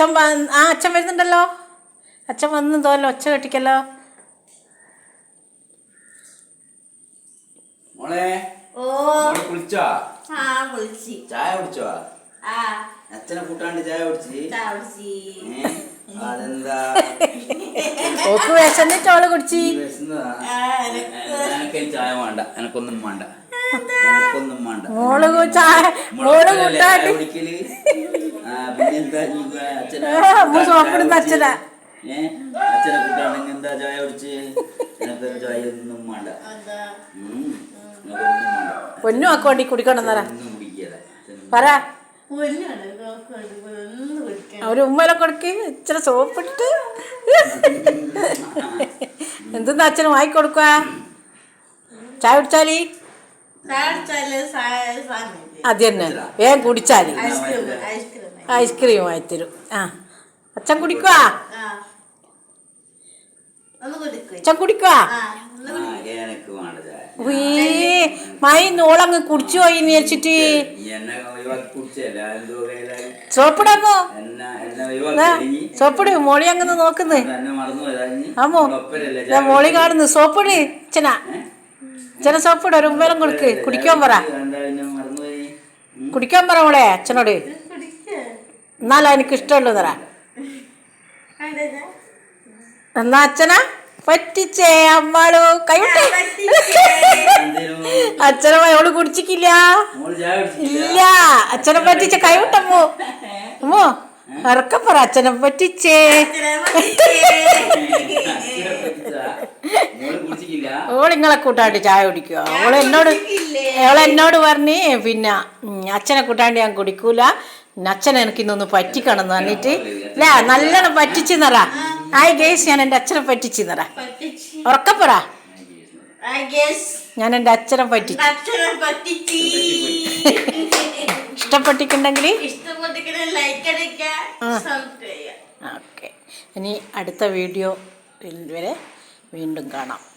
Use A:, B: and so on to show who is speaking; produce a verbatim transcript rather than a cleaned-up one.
A: അച്ഛൻ ആ അച്ഛൻ വരുന്നുണ്ടല്ലോ. അച്ഛൻ വന്നു തോന്നല്ലോ, ഒച്ച കെട്ടിക്കല്ലോ.
B: മോളെ കുളിച്ചോ? ചായ കുടിച്ചോ? അച്ഛനെ കൂട്ടാണ്ട് ചായ കുടിച്ച്. അതെന്താ
A: ഓക്ക് വിശന്നിട്ട് അവള് കുടിച്ച്.
B: എനക്ക് ചായ വേണ്ട, എനക്കൊന്നും വേണ്ട, എനക്കൊന്നും വേണ്ട.
A: മോള് ചായ മോള് കൂട്ടാണ്ട്
B: കുടിക്കല്. പിന്നെന്താ
A: സോപ്പിടുന്ന അച്ഛനാ.
B: ഏഹ് അച്ഛനെ കൂട്ടാണെങ്കിൽ എന്താ ചായ കുടിച്ച്? എനക്കൊരു ചായ ഒന്നും വേണ്ട.
A: പൊന്നും ആക്കോണ്ടി കുടിക്കണമെന്നറ പറ. ഒരു ഉമ്മനെ കൊടുക്ക്, ഇച്ചിരി സോപ്പിട്ട്. എന്തെന്നാ അച്ഛന് വാങ്ങിക്കൊടുക്കുക? ചായ കുടിച്ചാല് അത് തന്നെ വേഗം കുടിച്ചാല് ഐസ്ക്രീം വാങ്ങിത്തരും. ആ അച്ഛൻ കുടിക്കുവാ, അച്ഛൻ കുടിക്കുവാ. മൈ നോളങ്ങ് കുടിച്ചു പോയി വിചാരിച്ചിട്ട് സോപ്പിടാമോ? സോപ്പിട്. മോളി അങ്ങനെ നോക്കുന്നു. ആമോ മോളി കാണുന്നു. സോപ്പിട് അച്ഛനാ, അച്ഛനെ സോപ്പിട്. ഒരു ഉമ്മേലും കൊടുക്ക്, കുടിക്കാൻ പറ, കുടിക്കാൻ പറ മോളെ അച്ഛനോട്. എന്നാലും എനിക്ക് ഇഷ്ടമുള്ളൂ തറ. എന്നാ അച്ഛനാ പറ്റിച്ചേ അമ്മാളു കൈവിട്ടേ. അച്ഛനെ അവള് കുടിച്ചിക്കില്ല. ഇല്ല അച്ഛനെ പറ്റിച്ച കൈവിട്ടമ്മോ. അമ്മോ ഇറക്കം പറ, അച്ഛനെ പറ്റിച്ചേ. ഓളിങ്ങളെ കൂട്ടാണ്ട് ചായ കുടിക്കുക. അവള് എന്നോട് അവളെന്നോട് പറഞ്ഞ് പിന്നെ അച്ഛനെ കൂട്ടാണ്ട് ഞാൻ കുടിക്കൂല, അച്ഛനെ എനിക്ക് ഇന്നൊന്ന് പറ്റിക്കണം എന്ന് പറഞ്ഞിട്ട് ഇല്ല നല്ലോണം പറ്റിച്ചു നിറ. ആയി ഗേസ് ഞാൻ എൻ്റെ അച്ഛനെ പറ്റിച്ചു നിറ. ഉറക്കപ്പറ, ഞാൻ എൻ്റെ അച്ഛനെ പറ്റിച്ചു. ഇഷ്ടപ്പെട്ടിട്ടുണ്ടെങ്കിൽ ഓക്കെ. ഇനി അടുത്ത വീഡിയോ വരെ വീണ്ടും കാണാം.